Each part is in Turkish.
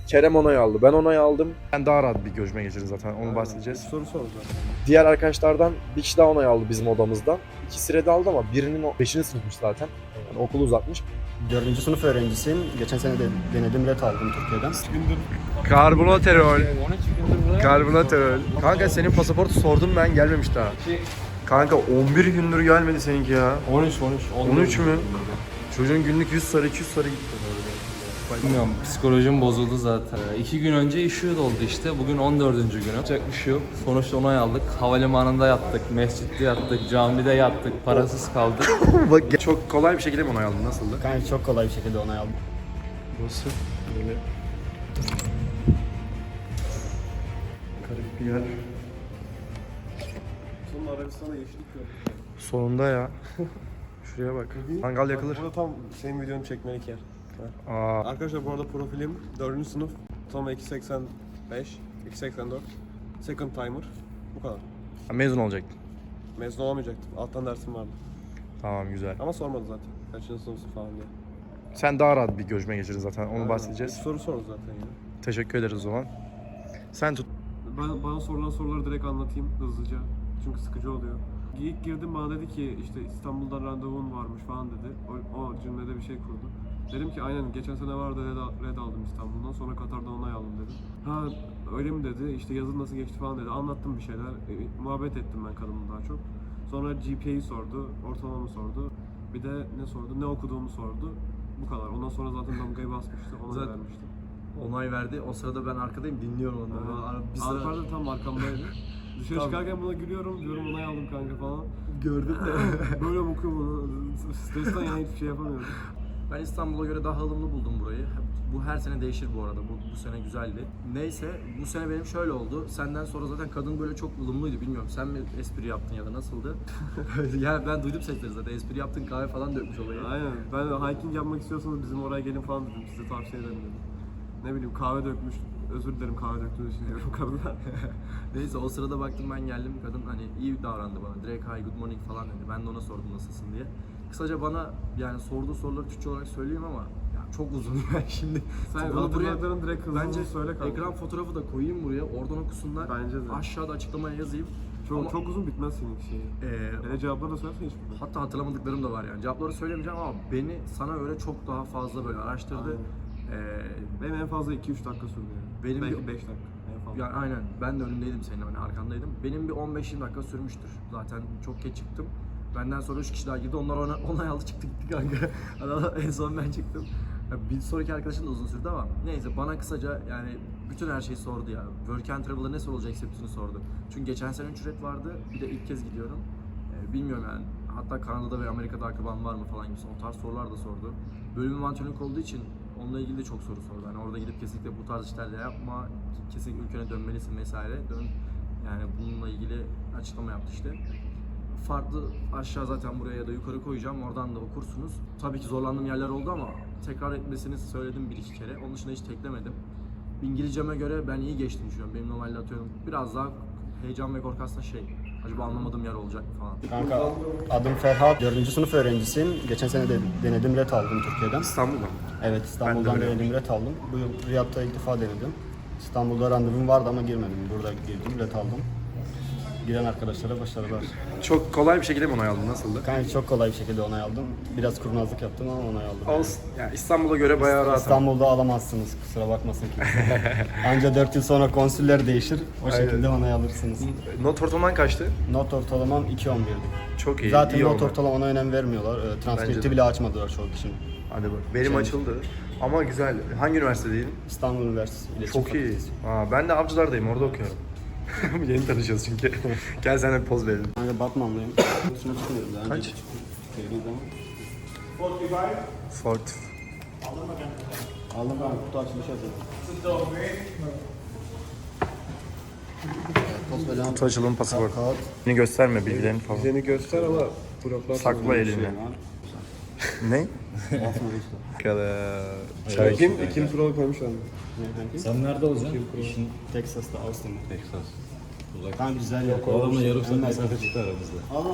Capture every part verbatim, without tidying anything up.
Kerem onay aldı. Ben onay aldım. Ben daha rahat bir görüşme geçirdim zaten. Onu bahsedeceğiz. Soru soracağım. Diğer arkadaşlardan bir kişi daha onay aldı bizim odamızdan. İkisi red aldı ama birinin o beşinci sınıfmış zaten. Yani okulu uzatmış. Dördüncü sınıf öğrencisiyim. Geçen sene de denedim, ret aldım Türkiye'den. Karbonatörol. Karbonatörol. Kanka senin pasaportu sordum ben, gelmemiş daha. Kanka on bir gündür gelmedi seninki ya. on üç on üç. on üç mü? Çocuğun günlük yüz sarı iki yüz sarı gitti. Bilmiyorum, psikolojim bozuldu zaten. İki gün önce işi doldu işte. Bugün on dördüncü günü. Yapacak bir şey yok. Sonuçta onay aldık. Havalimanında yattık, mescitte yattık, camide yattık. Parasız kaldık. Bak çok kolay bir şekilde mi onay aldın? Nasıldı? Yani çok kolay bir şekilde onay aldım. Burası böyle garip bir yer. Sonunda Arabistan'da yeşillik yok. Sonunda ya. Şuraya bak. Mangal yakılır. Burada tam senin videonu çekmelik yer. Aa, Arkadaşlar bu arada profilim dördüncü sınıf. Tam iki seksen beş, iki seksen dört. Second timer. Bu kadar. mezun olacaktın. Mezun olamayacaktım. Alttan dersim vardı. Tamam, güzel. Ama sormadı zaten. Kaçıncı sınıfsın falan diye. Sen daha rahat bir görüşme geçirdin zaten. Onu Aynen. bahsedeceğiz. İlk soru sordu zaten ya. Teşekkür ederiz o zaman. Sen tut. Ben, bana sorulan soruları direkt anlatayım hızlıca. Çünkü sıkıcı oluyor. İlk girdim bana dedi ki işte İstanbul'dan randevun varmış falan dedi. O, o cümlede bir şey kurdu. Dedim ki aynen geçen sene vardı red, red aldım İstanbul'dan, sonra Katar'dan onay aldım dedim. Ha öyle mi dedi, işte yazın nasıl geçti falan dedi. Anlattım bir şeyler, e, muhabbet ettim ben kadınla daha çok. Sonra G P A'yı sordu, ortalamamı sordu. Bir de ne sordu, ne okuduğumu sordu. Bu kadar. Ondan sonra zaten damgayı basmıştı, ona Zaten- vermişti. Onay verdi. O sırada ben arkadayım, dinliyorum onları. Evet. Bir sıra Alper de tam arkamdaydı. Dışarı Tamam. çıkarken buna gülüyorum, diyorum onay aldım kanka falan. gördüm de. Böyle bakıyorum ona, stresten yani hiçbir şey yapamıyorum. Ben İstanbul'a göre daha ılımlı buldum burayı. Bu her sene değişir bu arada. Bu, bu sene güzeldi. Neyse, bu sene benim şöyle oldu. Senden sonra zaten kadın böyle çok ılımlıydı. Bilmiyorum, sen mi espri yaptın ya da nasıldı? Yani ben duydum sesleri zaten. Espri yaptın, kahve falan dökmüş olayı. Aynen. Ben hiking yapmak istiyorsanız bizim oraya gelin falan dedim. Size tavsiye ederim dedim. Ne bileyim kahve dökmüş. Özür dilerim kahve döktüğünüz için diyorum kadına. Neyse, o sırada baktım ben geldim. Kadın hani iyi davrandı bana. Direkt hi good morning falan dedi. Ben de ona sordum nasılsın diye. Kısaca bana yani sorduğu soruları Türkçe olarak söyleyeyim ama ya çok uzun yani şimdi. Sen bunu hatırladığın direkt hızlı bence hızlı söyle kanka. ekran fotoğrafı da koyayım buraya. Oradan okusunlar. Bence de. Aşağıda açıklamaya yazayım. Çok, Ama- çok uzun bitmez senin şeyi. Ee, Hele cevapları da söylersen hiç bitmez. hatta hatırlamadıklarım da var yani. Cevapları söylemeyeceğim ama beni sana göre çok daha fazla böyle araştırdı. Ee, Benim en fazla iki üç dakika sürdü yani. Benim Belki bir- beş dakika en fazla. Yani aynen, ben de önündeydim senin, hani arkandaydım. Benim bir on beş yirmi dakika sürmüştür. Zaten çok geç çıktım. Benden sonra üç kişi daha girdi. Onlar ona onay aldı, çıktı gitti kanka. En son ben çıktım. Ya bir sonraki arkadaşım da uzun sürdü ama neyse, bana kısaca yani bütün her şeyi sordu ya. Work and Travel'da ne sorulacak hepsini sordu. Çünkü geçen sene üç red vardı. Bir de ilk kez gidiyorum. Ee, bilmiyorum yani. Hatta Kanada'da ve Amerika'da akraban var mı falan gibi o tarz sorular da sordu. Bölümüm antrenörlük olduğu için onunla ilgili de çok soru sordu. Hani orada gidip kesinlikle bu tarz işler de yapma, kesinlikle ülkene dönmelisin vesaire. Dön. Yani bununla ilgili açıklama yaptı işte. Farklı aşağı zaten buraya ya da yukarı koyacağım. Oradan da okursunuz. Tabii ki zorlandığım yerler oldu ama tekrar etmesini söyledim bir iki kere. Onun dışında hiç teklemedim. İngilizceme göre ben iyi geçtim düşünüyorum. Benim normalde atıyorum biraz daha heyecan ve korku aslında şey. Acaba anlamadığım yer olacak mı falan. Kanka adım Ferhat. Dördüncü sınıf öğrencisiyim. Geçen sene de denedim, ret aldım Türkiye'den. İstanbul'da. Evet, İstanbul'dan öyle denedim, ret aldım. Bu yıl Riyad'da ilk defa denedim. İstanbul'da randevum vardı ama girmedim. Burada girdim, ret aldım. Giren arkadaşlara başarılar. Çok kolay bir şekilde mi onay aldın? Nasıldı? Kanka çok kolay bir şekilde onay aldım. Biraz kurnazlık yaptım ama onay aldım. Olsun. Yani İstanbul'a göre bayağı rahat. İstanbul'da alamazsınız, kusura bakmasın kimse. Anca dört yıl sonra konsüller değişir, o şekilde onay alırsınız. Not ortalaman kaçtı? Not ortalamam iki on birdi. Çok iyi. Zaten iyi not oldu. ortalamana önem vermiyorlar. Ee, Bence de. Transkripti bile açmadılar çoğu kişinin. Hadi bak. Benim Şey- açıldı. Ama güzel. Hangi üniversitedeydin? İstanbul Üniversitesi İletişim Çok iyi. Fakültesi. Aa, ben de Avcılar'dayım. Orada okuyorum. Yeni tanışıyoruz çünkü. Gel sen de bir poz verelim. Kanka Batmanlıyım. Şuna çıkmıyorum daha. Kaç? Geldiği zaman. Fort. Aldım ben kutu açılışı yapıyorum. Post falan. Kutu açılım pasaport. Kağıt. Beni gösterme bilgilerini falan. Seni göster ama bloklar Sakla elini. Ne? Basma işte. Kadar. Kim? Kim kuralı koymuşlar mı? Ne kanki? Sen nerede olacaksın? İşin Texas'ta, Austin'da. Texas. Uzak. Kanka güzel yok. O adamla yarım saat Hemen- mesafe çıktı aramızda.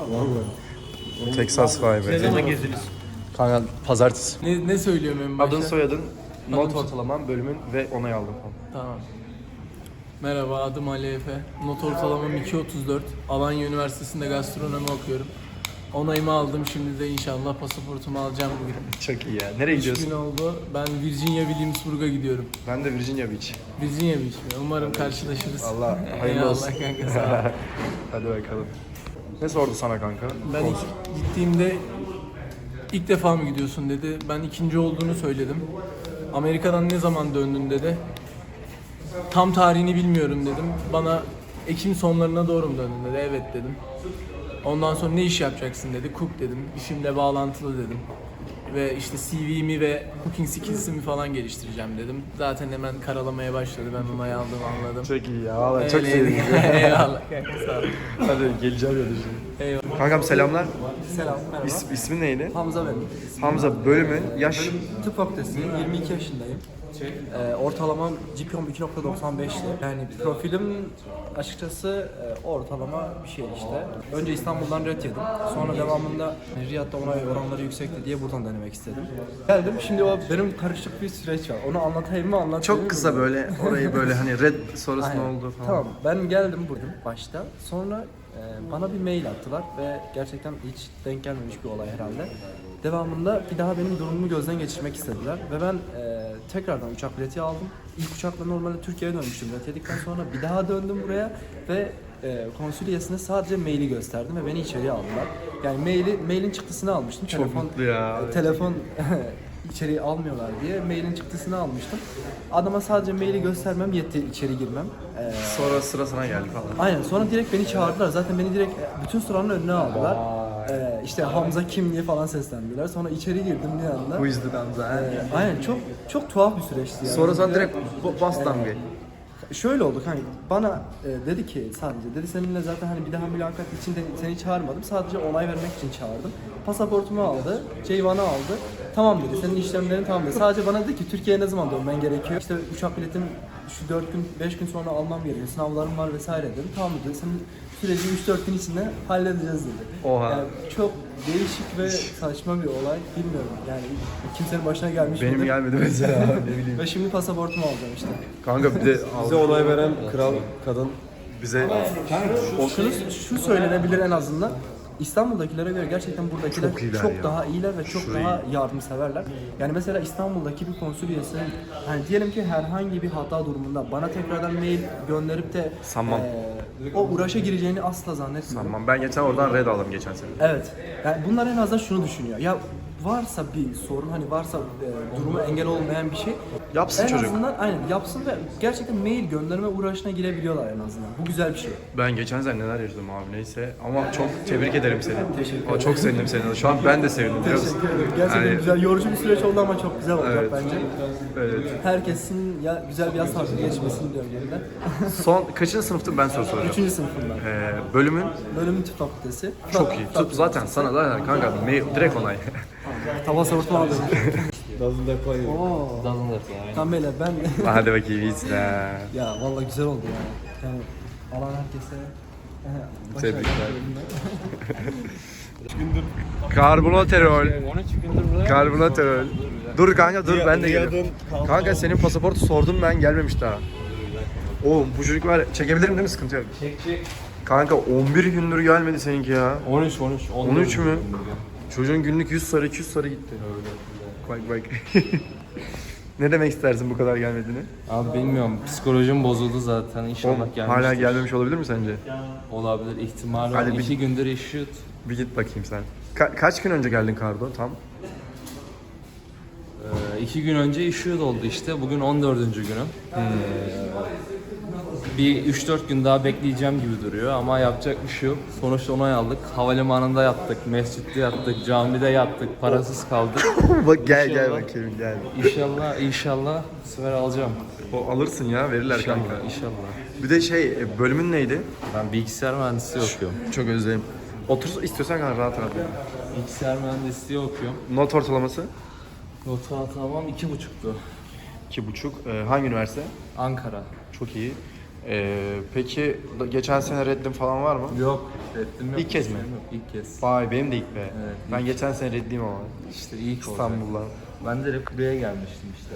Texas vay be. Ne zaman gezdiniz? Kanka pazartesi. Ne, ne söylüyorum en başta? Adın soyadın? not ortalamam, bölümün ve onay aldım falan. Tamam. Merhaba, adım Ali Efe. Not ortalamam iki otuz dört. Alanya Üniversitesi'nde gastronomi okuyorum. Onayımı aldım. Şimdi de inşallah pasaportumu alacağım bugün. Çok iyi ya. Nereye üç gün gidiyorsun? oldu. Ben Virginia Williamsburg'a gidiyorum. Ben de Virginia Beach. Virginia Beach mi? Umarım karşılaşırız. Allah hayırlı olsun. Eyvallah kanka, sağ ol. Hadi bakalım. Ne sordu sana kanka? Ben ilk gittiğimde ilk defa mı gidiyorsun dedi. Ben ikinci olduğunu söyledim. Amerika'dan ne zaman döndün dedi. Tam tarihini bilmiyorum dedim. Bana Ekim sonlarına doğru mu döndün dedi. Evet dedim. Ondan sonra ne iş yapacaksın dedi. Cook dedim. İşimle bağlantılı dedim. Ve işte C V'mi ve cooking skills'imi falan geliştireceğim dedim. Zaten hemen karalamaya başladı. Ben onayı aldım, anladım. Çok iyi ya. Vallahi çok Öyleydi. sevindim. Eyvallah kanka, sağ ol. Hadi geleceğim ya şimdi. Eyvallah. Kankam selamlar. Selam, merhaba. İs, ismin neydi? Hamza benim. Hamza, bölümün, yaş. Tıp fakültesindeyim, yirmi iki yaşındayım. Ee, ortalamam G P A iki nokta doksan beşti. Yani profilim açıkçası e, ortalama bir şey işte. Önce İstanbul'dan ret yedim. Sonra devamında Riyad'da onay oranları yüksekti diye buradan denemek istedim. Geldim, şimdi o benim karışık bir süreç var. Onu anlatayım mı anlatayım Çok mı kısa bilmiyorum. böyle orayı böyle hani red sonrası ne Aynen. oldu falan. Tamam, ben geldim burada başta. Sonra e, bana bir mail attılar ve gerçekten hiç denk gelmemiş bir olay herhalde. Devamında bir daha benim durumumu gözden geçirmek istediler ve ben e, tekrardan uçak bileti aldım. İlk uçakla normalde Türkiye'ye dönmüştüm. Bilet yedikten sonra bir daha döndüm buraya ve e, konsüliyesine sadece maili gösterdim ve beni içeriye aldılar. Yani maili, mailin çıktısını almıştım. Çok telefon, mutlu ya. e, telefon içeriye almıyorlar diye mailin çıktısını almıştım. Adama sadece maili göstermem yetti, içeri girmem. Ee, Sonra sıra sana geldi falan. aynen, sonra direkt beni çağırdılar. Zaten beni direkt bütün sıranın önüne aldılar. Ee, işte Hamza kim diye falan seslendiler. Sonra içeri girdim bir anda. Bu yüzden Hamza. Ee, aynen, çok çok tuhaf bir süreçti yani. Sonra sen direkt bu- bas damgayı. Şöyle oldu hani bana e, dedi ki sadece dedi seninle zaten hani bir daha mülakat için de seni çağırmadım, sadece onay vermek için çağırdım. Pasaportumu aldı, Ceyvan'ı aldı. Tamam dedi, senin işlemlerin tamam dedi. Sadece bana dedi ki Türkiye'ye ne zaman dönmen gerekiyor? İşte uçak biletim şu dört gün beş gün sonra almam gerekiyor. Sınavlarım var vesaire dedi. Tamam dedi. Senin süreci üç dört gün içinde halledeceğiz dedi. Oha. Yani çok değişik ve saçma bir olay. Bilmiyorum. Yani kimsenin başına gelmiş Benim midir? gelmedi mesela ne bileyim. Ve şimdi pasaportumu alacağım işte. Kanka bir de Bize onay veren kral kadın. bize Şunu, şu söylenebilir en azından. İstanbul'dakilere göre gerçekten buradakiler Çok çok, iyiler ya. daha iyiler ve çok Şurayı- daha yardımseverler. Yani mesela İstanbul'daki bir konsüliyesinin hani diyelim ki herhangi bir hata durumunda bana tekrardan mail gönderip de Sanmam. eee, o uğraşa gireceğini asla zannetmiyorum. Tamam, ben geçen oradan red aldım geçen sene. Evet. Yani bunlar en azından şunu düşünüyor. Ya varsa bir sorun, hani varsa e, durumu engel olmayan bir şey Yapsın en çocuk. azından aynen yapsın ve gerçekten mail gönderme uğraşına girebiliyorlar en azından. Bu güzel bir şey. Ben geçen sene neler yaşadım abi neyse ama çok tebrik ederim seni. Ama çok sevindim seni. Şu an ben de sevindim biliyor musun? Teşekkür ederim. Gerçekten Yani- güzel, yorucu bir süreç oldu ama çok güzel olacak Evet. bence. Evet. Herkesin ya güzel bir yaz tatili geçmesini diliyorum yeniden. Son kaçıncı sınıftın ben soru soracağım. Üçüncü sınıfından. Ee, bölümün Bölümün tıp fakültesi. çok iyi. Tıp zaten sana zaten kanka mail, direkt onay. Tava sorutma aldım. Doesn't that play? Oo. Tam böyle ben... Hadi bakayım iyisin ha. ya vallahi güzel oldu yani. Yani alan herkese... Tebrikler. Karbonatörol. Karbonatörol. Dur kanka dur ben de geliyorum. Kanka senin pasaportu sordum ben gelmemiş daha. Oğlum bu çocuk var çekebilirim değil mi, sıkıntı yok. Çek çek. Kanka on bir gündür gelmedi seninki ya. on üç on üç. on üç mü? Çocuğun günlük yüz sarı iki yüz sarı gitti. Bak bak. Ne demek istersin bu kadar gelmediğini? Abi bilmiyorum, psikolojim bozuldu zaten. İnşallah Oğlum, gelmiştir. hala gelmemiş olabilir mi sence? Olabilir, ihtimali Hadi var. bir- İki gündür issued. Bir git bakayım sen. Ka- kaç gün önce geldin Kardo tam? Ee, iki gün önce issued oldu işte. Bugün on dördüncü günüm. Ee, bir üç dört gün daha bekleyeceğim gibi duruyor ama yapacak bir şey yok. Sonuçta onay aldık. Havalimanında yattık, mescitte yattık, camide yattık, parasız kaldık. Bak gel gel İnşallah. bakayım gel. İnşallah, inşallah bu sefer alacağım. O alırsın ya, verirler İnşallah, kanka. inşallah. Bir de şey e, bölümün neydi? Ben bilgisayar mühendisliği okuyorum. Çok özledim. Otur istiyorsan kanka rahat rahat. Bilgisayar mühendisliği okuyorum. Not ortalaması? Not ortalamam iki buçuktu. iki buçuk. Ee, hangi üniversite? Ankara. Çok iyi. Ee, peki da- geçen sene reddim falan var mı? Yok, reddim yok. İlk kez mi? Yok, ilk kez. Vay benim de ilk be. Evet, ben geçen sene reddiyim ama. İşte ilk olacak. İstanbul'dan. Ben direkt buraya gelmiştim işte.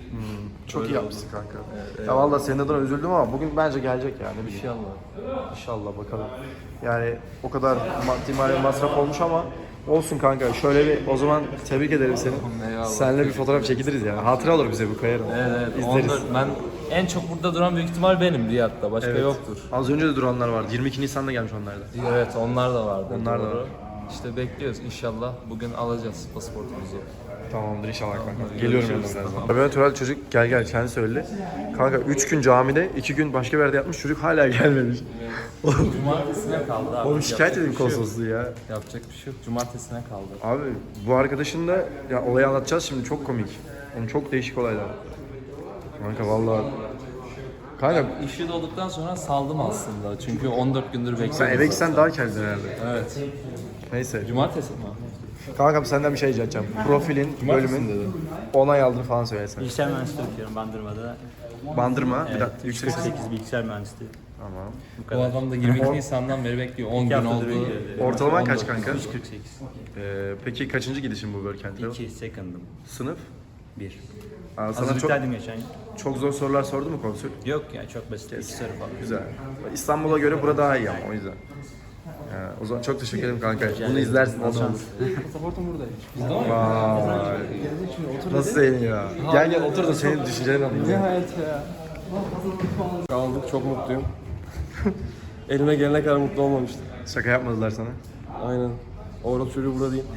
Çok Öyle iyi oldu. yapmışsın kanka. Evet, Ya vallahi senin adına üzüldüm ama bugün bence gelecek yani. Bir şey. İnşallah. İnşallah bakalım. Yani o kadar maddi manevi masraf olmuş ama olsun kanka. Şöyle bir o zaman tebrik ederim seni. Eyvallah. Seninle bir fotoğraf çekiliriz ya. Hatıra olur bize bu kayarım. Evet evet. İzleriz. on dört ben en çok burada duran büyük ihtimal benim Riyad'da. Başka Evet. yoktur. Az önce de duranlar vardı. yirmi iki Nisan'da gelmiş onlar da. Evet onlar da vardı. Onlar da doğru. var. İşte bekliyoruz inşallah. Bugün alacağız pasaportumuzu. Tamamdır inşallah kanka. Hadi Geliyorum görüşürüz. yanına birazdan. Böyle natural çocuk gel gel kendi söyledi. Kanka üç gün camide, iki gün başka bir yerde yatmış çocuk hala gelmemiş. Cumartesine kaldı abi. Oğlum şikayet Yapacak edin bir şey yok. konsolosluğu ya. Yapacak bir şey yok. Cumartesine kaldı. Abi bu arkadaşın da ya olayı anlatacağız şimdi çok komik. Onun çok değişik olaylar. Kanka vallahi. Kanka İşi olduktan sonra saldım aslında. Çünkü on dört gündür bekliyorum. sen eve gitsen daha kendin herhalde. Evet. Neyse. Cumartesi mi? Kankam senden bir şey rica edeceğim. Profilin, Cumartesi mi bölümün dedin? onay aldığını falan söylesen. Bilgisayar mühendisliği okuyorum Bandırma'da. Bandırma, bir Evet, dakika yüksek ses. sekiz bilgisayar mühendisliği. Tamam. Bu adam da yirmi iki Nisan'dan beri bekliyor. on gün haftadır oldu. bekliyor. Ortalaman on kaç dört. kanka? üç kırk sekiz. Ee, peki kaçıncı gidişin bu Workent'e? iki second'ım. Sınıf? bir. Aa, sana çok, Hazırlıktaydım geçen yıl. çok zor sorular sordu mu konsül? Yok ya çok basit. İki soru falan. Güzel. İstanbul'a göre burada daha iyi ama o yüzden. Ya, o zaman çok teşekkür ederim kanka. Bunu izlersin nasıl olur. Pasaportum buradaymış. Vay. Nasıl senin ya? Gel gel otur da senin düşüncelerini alayım. ya. Hayat ya. Aldık, çok mutluyum. Elime gelene kadar mutlu olmamıştım. Şaka yapmadılar sana. Aynen. Orada çocuğu burada değil.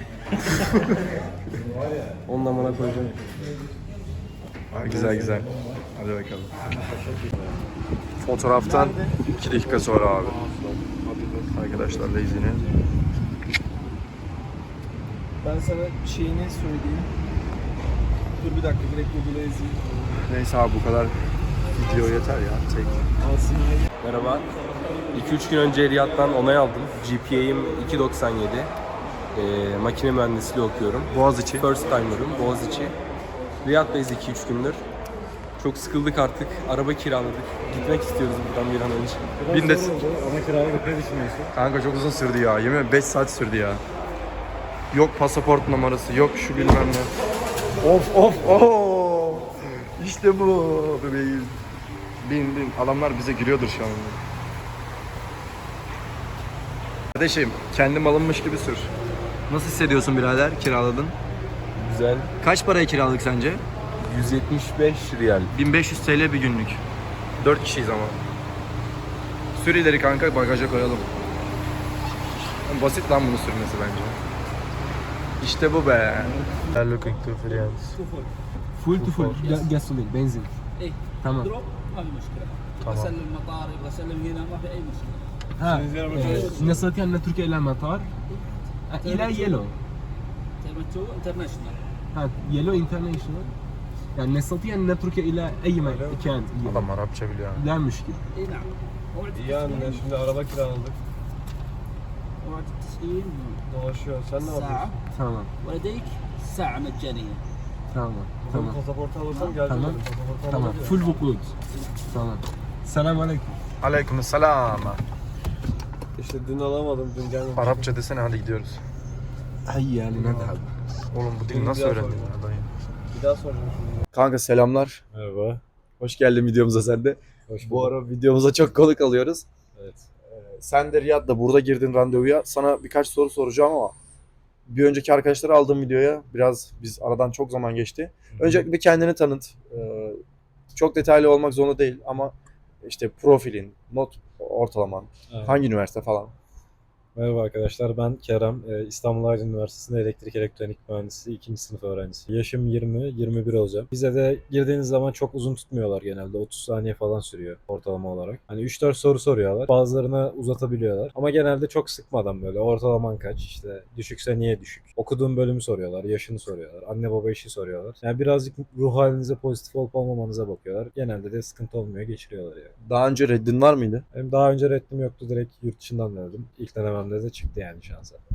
Ondan bana koyacağım. Aa, güzel güzel. Hadi bakalım. Fotoğraftan iki dakika sonra abi. Arkadaşlarla izini. Ben sana şeyini söyleyeyim. Dur bir dakika direkt Google'a yazayım. Neyse abi bu kadar video yeter ya. Tek. Merhaba. iki üç gün önce Riyad'dan onay aldım. G P A'im iki doksan yedi. Ee, makine mühendisliği okuyorum. Boğaziçi. First timer'ım Boğaziçi. Riyad'dayız iki üç gündür. Çok sıkıldık artık. Araba kiraladık. Gitmek istiyoruz buradan bir an önce. Bin de... Ama kiraladık ne düşünüyorsun? Kanka çok uzun sürdü ya. Yemin ederim beş saat sürdü ya. Yok pasaport numarası, yok şu bilmem ne. Of of of. İşte bu bebeğim. Bin bin. Adamlar bize giriyordur şu an. Kardeşim kendim alınmış gibi sür. Nasıl hissediyorsun birader kiraladın? Güzel. Kaç paraya kiraladık sence? yüz yetmiş beş riyal. bin beş yüz T L bir günlük. dört kişiyiz ama. Sür ileri kanka bagaja koyalım. Basit lan bunu sürmesi bence. İşte bu be. I'm looking to friends. Full to full gasoline, benzin. Tamam. Tamam. المطار يبغى اسلم هنا ما في اي مشكله. ها نستطيع ان نترك الى المطار الى يلو. تيرمتو انترناشونال. ها يلو انترناشونال. يعني نستطيع ان نترك الى اي مكان. Adam Arapça biliyor. لا مشكله. اي نعم. موعد İyi yani şimdi araba kiraladık. موعد التسليم Dolaşıyor. Sen ne ساعه yapıyorsun? Tamam. ولديك ساعه مجانيه. Tamam. Tamam. Tamam. Pasaportu alırsam geleceğim. Tamam. dedim. Pasaportu Tamam. alınca- Full vukut. Tamam. Selam aleyküm. Aleyküm selam. İşte dün alamadım, dün gelmedim. Arapça desene hadi gidiyoruz. هيا لنذهب. Oğlum bu dili nasıl Bir daha öğrendin soracağım. ya dayı? Bir daha soracağım şimdi. Kanka selamlar. Merhaba. Hoş geldin videomuza sen de. Hoş Bu bulduk. ara videomuza çok konuk alıyoruz. Evet. Ee, sen de Riyad'da burada girdin randevuya. Sana birkaç soru soracağım ama bir önceki arkadaşları aldığım videoya biraz biz aradan çok zaman geçti. Öncelikle bir kendini tanıt. Ee, çok detaylı olmak zorunda değil ama işte profilin, not ortalaman, Evet. hangi üniversite falan. Merhaba arkadaşlar, ben Kerem. Ee, İstanbul Aydın Üniversitesi'nde elektrik elektronik mühendisliği ikinci sınıf öğrencisi. Yaşım yirmi, yirmi bir olacağım. Bize de girdiğiniz zaman çok uzun tutmuyorlar genelde. otuz saniye falan sürüyor ortalama olarak. Hani üç dört soru soruyorlar. Bazılarını uzatabiliyorlar. Ama genelde çok sıkmadan böyle ortalaman kaç, işte düşükse niye düşük. Okuduğun bölümü soruyorlar, yaşını soruyorlar, anne baba işi soruyorlar. Yani birazcık ruh halinize pozitif olup olmamanıza bakıyorlar. Genelde de sıkıntı olmuyor, geçiriyorlar yani. Daha önce reddin var mıydı? Benim daha önce reddim yoktu, direkt yurt dışından denedim. İlk denememde de çıktı yani şansa.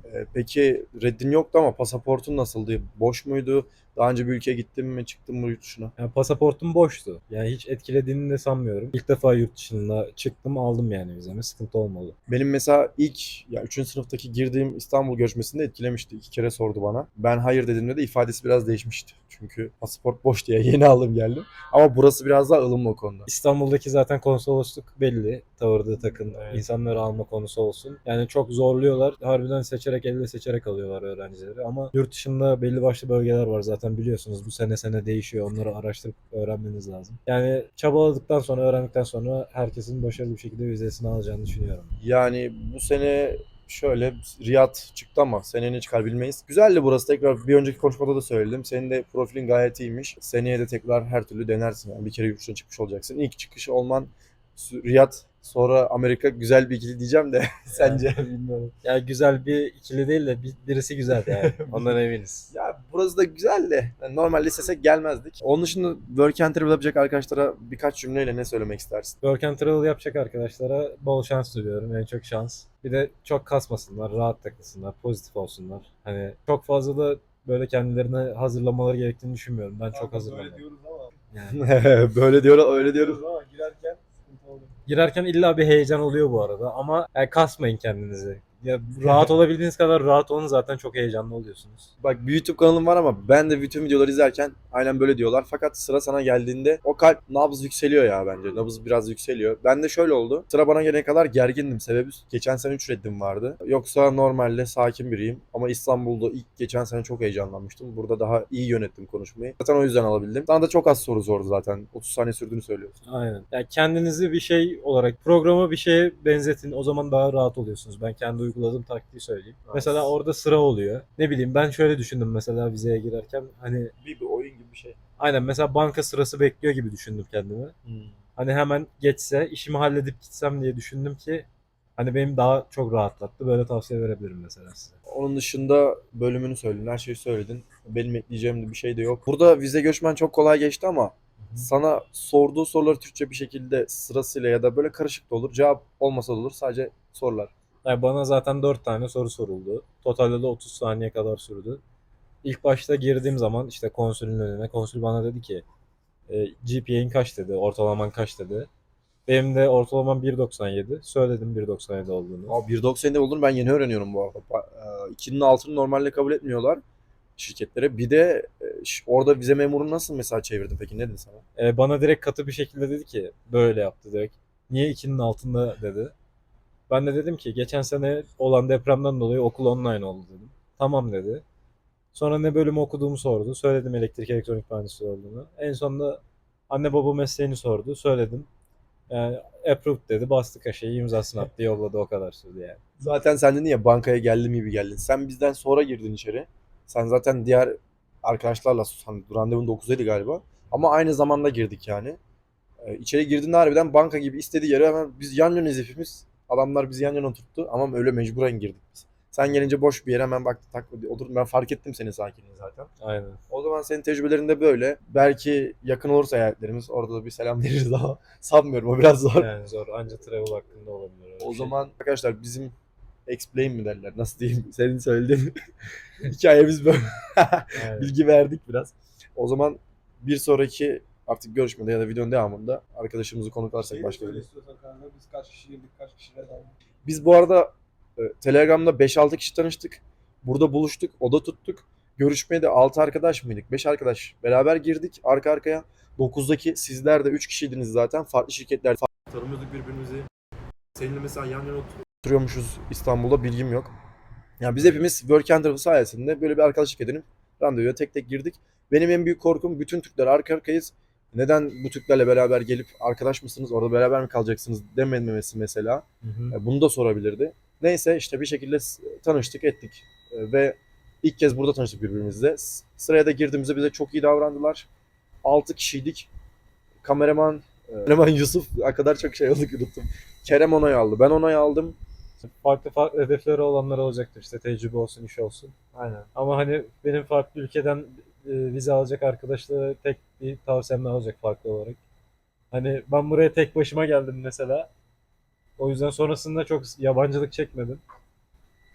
Ee, peki reddin yoktu ama pasaportun nasıldı? Boş muydu? Daha önce bir ülkeye gittin mi, çıktın mı yurt dışına? Yani pasaportum boştu. Yani hiç etkilediğini de sanmıyorum. İlk defa yurt dışına çıktım, aldım yani vizemi. Sıkıntı olmadı. Benim mesela ilk ya üçüncü sınıftaki girdiğim İstanbul görüşmesinde etkilemişti. İki kere sordu bana. Ben hayır dediğimde de ifadesi biraz değişmişti. Çünkü pasaport boş diye yeni aldım geldim. Ama burası biraz daha ılımlı o konuda. İstanbul'daki zaten konsolosluk belli. Tavırda takın, insanları alma konusu olsun. Yani çok zorluyorlar. Harbiden seçerek, elle seçerek alıyorlar öğrencileri. Ama yurt dışında belli başlı bölgeler var zaten biliyorsunuz. Bu sene sene değişiyor. Onları araştırıp öğrenmeniz lazım. Yani çabaladıktan sonra, öğrendikten sonra herkesin başarılı bir şekilde vizesini alacağını düşünüyorum. Yani bu sene şöyle Riyad çıktı ama seneye ne çıkar bilmeyiz. Güzeldi burası, tekrar bir önceki konuşmada da söyledim. Senin de profilin gayet iyiymiş. Seneye de tekrar her türlü denersin. Yani bir kere yurt dışına çıkmış olacaksın. İlk çıkış olman Riyad, sonra Amerika güzel bir ikili diyeceğim de sence? Bilmiyorum. Yani güzel bir ikili değil de bir- birisi güzel yani. Ondan eminiz. Ya burası da güzel de yani normalde istesek gelmezdik. Onun dışında work and travel yapacak arkadaşlara birkaç cümleyle ne söylemek istersin? Work and travel yapacak arkadaşlara bol şans diliyorum. En çok şans. Bir de çok kasmasınlar, rahat takılsınlar, pozitif olsunlar. Hani çok fazla da böyle kendilerine hazırlamaları gerektiğini düşünmüyorum. Ben çok hazırlanıyorum. Yani Böyle diyor, öyle diyoruz ama girerken sıkıntı oluyor. girerken illa bir heyecan oluyor bu arada ama yani kasmayın kendinizi. Ya rahat olabildiğiniz kadar rahat olun, zaten çok heyecanlı oluyorsunuz. Bak bir YouTube kanalım var ama ben de bütün videoları izlerken aynen böyle diyorlar. Fakat sıra sana geldiğinde o kalp nabız yükseliyor ya bence. Nabız biraz yükseliyor. Ben de şöyle oldu. Sıra bana gelene kadar gergindim. Sebebi geçen sene üç reddim vardı. Yoksa normalde sakin biriyim. Ama İstanbul'da ilk geçen sene çok heyecanlanmıştım. Burada daha iyi yönettim konuşmayı. Zaten o yüzden alabildim. Sana da çok az soru sordu zaten. otuz saniye sürdüğünü söylüyorsun. Aynen. Yani kendinizi bir şey olarak, programa bir şeye benzetin. O zaman daha rahat oluyorsunuz. Ben kendi uyguladığım taktiği söyleyeyim. Evet. Mesela orada sıra oluyor. Ne bileyim, ben şöyle düşündüm mesela vizeye girerken. Hani Bir, bir oyun gibi bir şey. aynen, mesela banka sırası bekliyor gibi düşündüm kendimi. Hani hemen geçse, işimi halledip gitsem diye düşündüm ki hani benim daha çok rahatlattı. Böyle tavsiye verebilirim mesela size. Onun dışında bölümünü söyledin, her şeyi söyledin. Benim ekleyeceğim de bir şey de yok. Burada vize göçmen çok kolay geçti ama sana sorduğu soruları Türkçe bir şekilde sırasıyla ya da böyle karışık da olur. Cevap olmasa da olur. Sadece sorular. Yani bana zaten dört tane soru soruldu. Totalde de otuz saniye kadar sürdü. İlk başta girdiğim zaman işte konsülün önüne, konsül bana dedi ki e, G P A'in kaç dedi, ortalaman kaç dedi. Benim de ortalamam bir doksan yedi. Söyledim bir doksan yedi olduğunu. Abi bir doksan yedi olduğunu ben yeni öğreniyorum bu arada. Ba- e, ikinin altını normalde kabul etmiyorlar şirketlere. Bir de e, ş- orada vize memuru nasıl mesela çevirdin peki, ne dedi sana? E, bana direkt katı bir şekilde dedi ki böyle yaptı direkt. Niye ikinin altında dedi. Ben de dedim ki geçen sene olan depremden dolayı okul online oldu dedim. Tamam dedi. Sonra ne bölüm okuduğumu sordu. Söyledim elektrik elektronik mühendisliği olduğunu. En sonunda anne baba mesleğini sordu. Söyledim. Yani approved dedi. Bastı kaşeyi, imzasını attı, yolladı, o kadar sürdü yani. Zaten sen dedin ya bankaya geldim gibi geldin. Sen bizden sonra girdin içeri. Sen zaten diğer arkadaşlarla hani randevun dokuzdaydı galiba. Ama aynı zamanda girdik yani. Ee, içeri girdiğinde harbiden banka gibi istediği yere hemen biz yan yanayız hepimiz. Adamlar bizi yan yana oturttu ama öyle mecburen girdik biz. Sen gelince boş bir yere hemen baktı tak oturdum. Ben fark ettim senin sakinliğini zaten. Aynen. O zaman senin tecrübelerinde böyle. Belki yakın olursa eyaletlerimiz orada da bir selam veririz ama sanmıyorum, o biraz zor. Yani zor. Anca travel hakkında olabilir. öyle O bir şey. zaman arkadaşlar bizim explain mi derler, nasıl diyeyim, senin söylediğin hikayemiz böyle. Aynen. Bilgi verdik biraz. O zaman bir sonraki artık görüşmede ya da videonun devamında arkadaşımızı konuk alırsak başka bir. Biz kaç kişi girdik, kaç kişiyle daldık. Biz bu arada e, Telegram'da beş altı kişi tanıştık. Burada buluştuk, oda tuttuk. Görüşmeye de altı arkadaş mıydık? beş arkadaş beraber girdik arka arkaya. dokuzdaki sizler de üç kişiydiniz zaten. Farklı şirketler. Tanımıyorduk birbirimizi. Seninle mesela yan yana oturuyormuşuz İstanbul'da, bilgim yok. Yani biz hepimiz Work and Travel sayesinde böyle bir arkadaşlık edinip randevuya tek tek girdik. Benim en büyük korkum bütün Türkler arka arkayız. Neden bu Türklerle beraber gelip arkadaş mısınız, orada beraber mi kalacaksınız dememesi mesela. Hı hı. E, Bunu da sorabilirdi. Neyse işte bir şekilde s- tanıştık ettik. E, Ve ilk kez burada tanıştık birbirimizle. S- Sıraya da girdiğimizde bize çok iyi davrandılar. altı kişiydik. Kameraman, e, kameraman Yusuf, o kadar çok şey oldu ki unuttum. Kerem onay aldı. Ben onay aldım. Farklı farklı hedefleri olanlar olacaktır, işte tecrübe olsun, iş olsun. Aynen. Ama hani benim farklı ülkeden e, vize alacak arkadaşlara tek bir tavsiyem ne olacak farklı olarak. Hani ben buraya tek başıma geldim mesela. O yüzden sonrasında çok yabancılık çekmedim.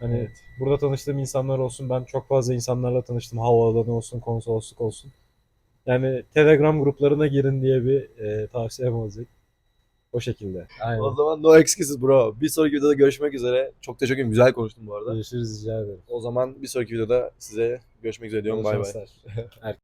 Hani Evet. burada tanıştığım insanlar olsun, ben çok fazla insanlarla tanıştım. Havaalanı olsun, konsolosluk olsun. Yani Telegram gruplarına girin diye bir e, tavsiyem olacak. O şekilde. Aynen. O zaman no excuses bro. Bir sonraki videoda görüşmek üzere. Çok teşekkür ederim. Güzel konuştun bu arada. Görüşürüz, rica ederim. O zaman bir sonraki videoda size görüşmek üzere diyorum. Bol Bay bay. şanslar.